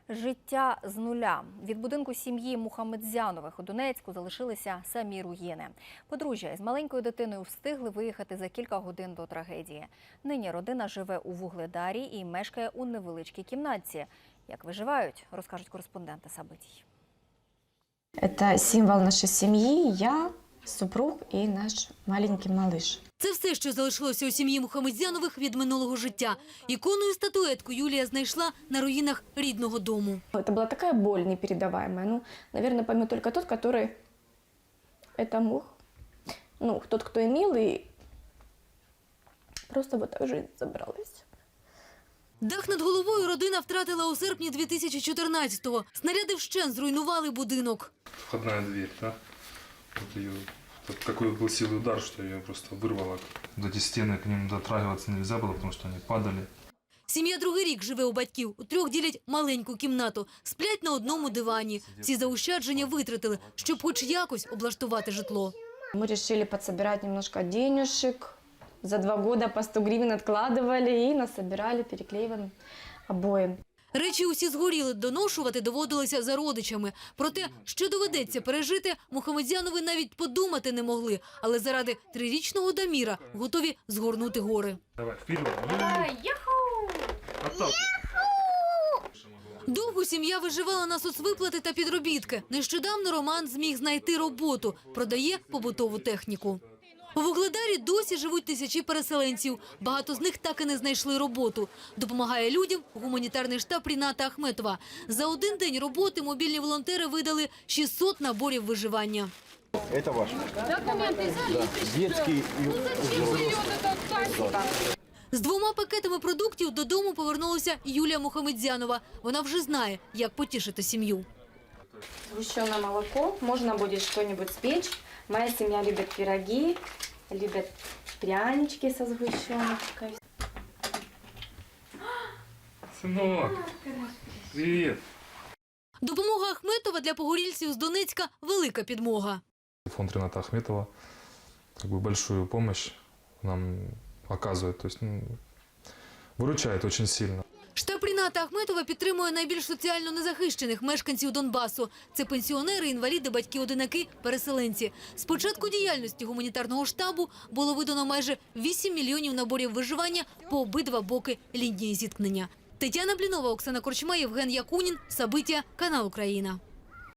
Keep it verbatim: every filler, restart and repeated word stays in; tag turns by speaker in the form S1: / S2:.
S1: Життя з нуля. Від будинку сім'ї Мухамедзянових у Донецьку залишилися самі руїни. Подружжя із маленькою дитиною встигли виїхати за кілька годин до трагедії. Нині родина живе у Вугледарі і мешкає у невеличкій кімнатці. Як виживають, розкажуть кореспонденти Сабитій.
S2: Это символ нашей семьи, я, супруг и наш маленький малыш.
S3: Це все, що залишилося у сім'ї Мухамедзянових від минулого життя. Ікону і статуетку Юлія знайшла на руїнах рідного дому.
S2: Это была такая боль непередаваемая. Ну, наверное, поймет только тот, который это мог. Ну, тот, кто имел, и просто вот так жизнь забралась.
S3: Дах над головою родина втратила у серпні дві тисячі чотирнадцятого. Снаряди вщент зруйнували будинок.
S4: Входная дверь, да? Вот ее, вот такой был силный удар, что ее просто вырвало. До эти стены, к ним дотрагиваться нельзя было, потому что они падали.
S3: Сім'я другий рік живе у батьків. У трьох ділять маленьку кімнату. Сплять на одному дивані. Всі заощадження витратили, щоб хоч якось облаштувати житло.
S2: Мы решили подсобирать немножко денежек. За два года по сто гривен откладывали и насобирали, переклеиваем обои.
S3: Речі усі згоріли, доношувати доводилося за родичами. Про те, що доведеться пережити, Мухамедзянови навіть подумати не могли. Але заради трирічного Даміра готові згорнути гори.
S4: Давай, вперед!
S3: Довго сім'я виживала на соцвиплати та підробітки. Нещодавно Роман зміг знайти роботу. Продає побутову техніку. У Вугледарі досі живуть тисячі переселенців. Багато з них так і не знайшли роботу. Допомагає людям гуманітарний штаб Ріната Ахметова. За один день роботи мобільні волонтери видали шістсот наборів виживання.
S5: Это ваш. Документы да. Детский и взрослый.
S3: З двома пакетами продуктів додому повернулася Юлія Мухамедзянова. Вона вже знає, як потішити сім'ю.
S2: Сгущенное молоко, можно будет что-нибудь спечь. Моя семья любит пироги, любят прянички со сгущенкой.
S4: Сынок, привет!
S3: Допомога Ахметова для погорільців з Донецька – велика підмога.
S4: Фонд Рината Ахметова как бы большую помощь нам оказывает, то есть ну, выручает очень сильно.
S3: Штаб Ріната Ахметова підтримує найбільш соціально незахищених мешканців Донбасу. Це пенсіонери, інваліди, батьки-одинаки, переселенці. З початку діяльності гуманітарного штабу було видано майже вісім мільйонів наборів виживання по обидва боки лінії зіткнення. Тетяна Блінова, Оксана Корчма, Євген Якунін, Сабиття, канал Україна.